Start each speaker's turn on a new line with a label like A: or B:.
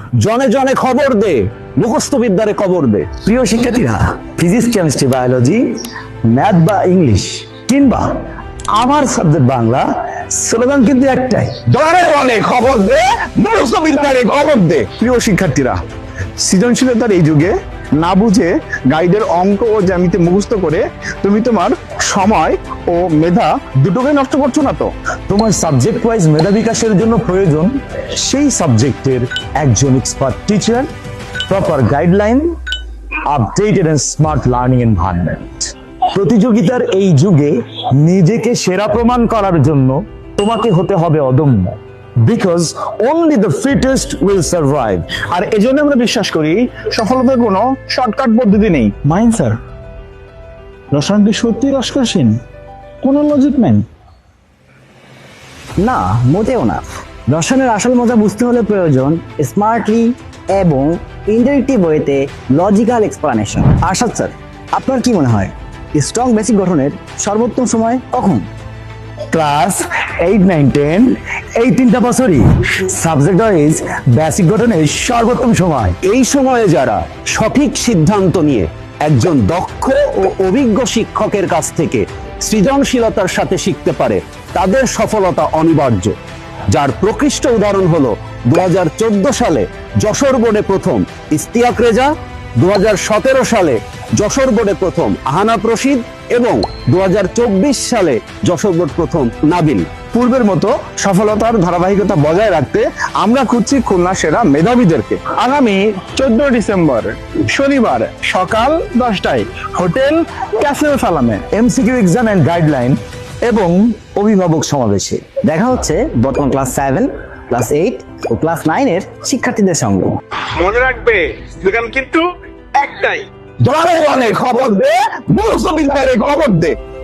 A: জনে জনে খবর দে, মুখস্থ বিদ্যারে কবর দে।
B: প্রিয় শিক্ষার্থীরা, ফিজিক্স, কেমিস্ট্রি, বায়োলজি, ম্যাথ বা ইংলিশ কিংবা আমার সাবজেক্ট বাংলা, স্লোগান কিন্তু একটাই,
A: জনে জনে খবর দে, মুখস্থ বিদ্যারে খবর দে। প্রিয় শিক্ষার্থীরা, সৃজনশীলতার এই যুগে না বুঝে গাইডের অঙ্ক ও জ্যামিতি মুখস্থ করে তুমি তোমার সময় ও মেধা দুটোকে নষ্ট করছো না তো?
B: তোমার সাবজেক্ট ওয়াইজ মেধা বিকাশের জন্য প্রয়োজন সেই সাবজেক্টের একজন expert teacher, proper guideline, updated and smart learning environment. প্রতিযোগিতার এই যুগে নিজেকে সেরা প্রমাণ করার জন্য তোমাকে হতে হবে অদম্য, because only the fittest will survive.
A: আর এজন্য আমরা বিশ্বাস করি সফলতার কোনো শর্টকাট পদ্ধতি নেই।
C: মাইন স্যার, রসায়ন কি সত্যি রসকসীন? কোনো লজিক নেই।
D: না, মোটেও না। রসায়নের আসল মজা বুঝতে হলে প্রয়োজন স্মার্টলি এবং ইন্টারেক্টিভ ওয়েতে লজিক্যাল এক্সপ্লানেশন। আরশাদ স্যার, আপনার কি মনে হয় স্ট্রং বেসিক গঠনের সর্বোত্তম সময় কখন?
B: ক্লাস 8, 9, 10 এই 3টা বছরই সাবজেক্ট ওয়াইজ বেসিক গঠনের সর্বোত্তম সময়।
A: এই সময়ে যারা সঠিক সিদ্ধান্ত নিয়ে একজন দক্ষ ও অভিজ্ঞ শিক্ষকের কাছ থেকে সৃজনশীলতার সাথে শিখতে পারে, তাদের সফলতা অনিবার্য। যার প্রকৃষ্ট উদাহরণ হলো 2014 সালে যশোর বোর্ডে প্রথম ইস্তিয়াক রেজা, 2017 সালে যশোর বোর্ডে প্রথম আহানাফ রশিদ এবং 2024 সালে যশোর বোর্ড প্রথম নাবিল।
E: পূর্বের মতো সফলতার ধারাবাহিকতা বজায় রাখতে আমরা খুঁজছি খুলনা সেরা মেধাবীদেরকে। আগামী 14 ডিসেম্বর শনিবার সকাল 10টায় হোটেল ক্যাসেল সালামে
B: এমসিকিউ এক্সাম এন্ড গাইডলাইন এবং অভিভাবক সমাবেশে
D: দেখা হচ্ছে বর্তমান ক্লাস 7, ক্লাস 8 ও ক্লাস 9 এর শিক্ষার্থীদের সঙ্গে।
F: মনে রাখবে স্লোগান কিন্তু একটাই,
A: জনে জনে খবর দে, মুখস্থ বিদ্যারে খবর দে।